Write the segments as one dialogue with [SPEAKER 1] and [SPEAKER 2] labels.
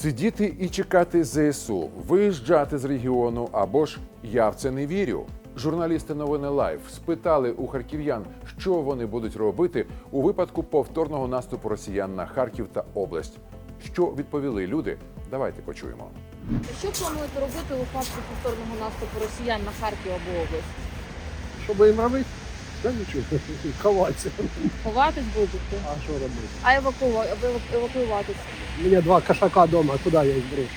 [SPEAKER 1] Сидіти і чекати ЗСУ, виїжджати з регіону або ж «я в це не вірю». Журналісти новини Лайв спитали у харків'ян, що вони будуть робити у випадку повторного наступу росіян на Харків та область. Що відповіли люди? Давайте почуємо.
[SPEAKER 2] Що плануєте робити у випадку повторного наступу росіян на Харків або область?
[SPEAKER 3] Що би їм робити? Та нічого, ховатися.
[SPEAKER 2] Ховатись будете?
[SPEAKER 3] А що робити?
[SPEAKER 2] А евакуюватись?
[SPEAKER 3] У мене 2 кошака вдома, куди я їх брошу?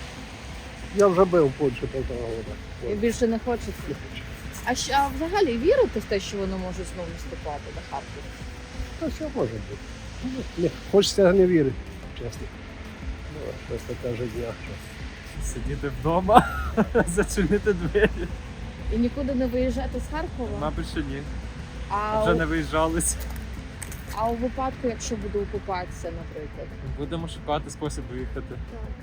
[SPEAKER 3] Я вже був в Польщі 1,5 року.
[SPEAKER 2] І більше не хочеться? А взагалі вірите в те, що вони можуть знову наступати на Харків?
[SPEAKER 3] Та все може бути. Не, хочеться не вірити, чесно. Ну, щось таке життя.
[SPEAKER 4] Сидіти вдома, зачинити двері.
[SPEAKER 2] І нікуди не виїжджати з Харкова?
[SPEAKER 4] Мабуть, що ні.
[SPEAKER 2] А,
[SPEAKER 4] Вже не виїжджались.
[SPEAKER 2] а у випадку, якщо буде окупація, наприклад?
[SPEAKER 4] Будемо шукати спосіб виїхати.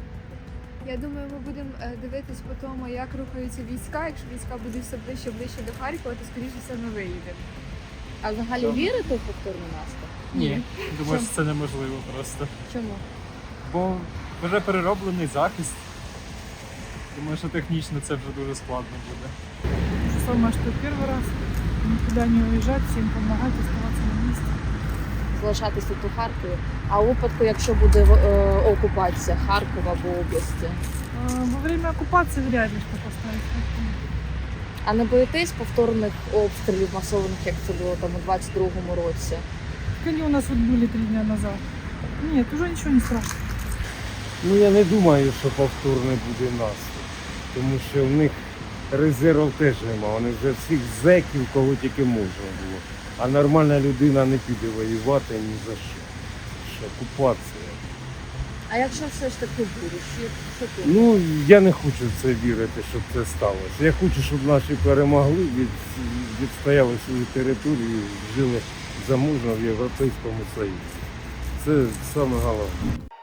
[SPEAKER 5] Я думаю, ми будемо дивитись по тому, як рухаються війська. Якщо війська будуть все ближче ближче до Харкова, то скоріше все ми виїдемо.
[SPEAKER 2] А взагалі вірите в повторний наступ?
[SPEAKER 4] Ні. Думаю,
[SPEAKER 2] Чому?
[SPEAKER 4] що це неможливо просто.
[SPEAKER 2] Чому?
[SPEAKER 4] Бо вже перероблений захист. Думаю, що технічно це вже дуже складно буде.
[SPEAKER 6] То же самое, что первый раз. Никуда не уезжать, всем помогать, оставаться на месте.
[SPEAKER 2] Залишатись тут у Харкові. А у випадку, якщо буде окупація Харкова або області?
[SPEAKER 6] Во время оккупации вряд ли что поставить.
[SPEAKER 2] А не боїтесь повторних обстрілів масованих, як це було там у 22-му році?
[SPEAKER 6] Они у нас вот были 3 дня назад. Нет, уже ничего не страшно.
[SPEAKER 7] Ну я не думаю, що повторний буде наступ, тому що в них резервів теж нема. Вони вже всіх зеків, кого тільки можна було. А нормальна людина не піде воювати ні за що. Це ж окупація.
[SPEAKER 2] А якщо все ж таки буде, що тут?
[SPEAKER 7] Ну я не хочу в це вірити, щоб це сталося. Я хочу, щоб наші перемогли, відстояли свою територію, жили заможно в Європейському Союзі. Це саме головне.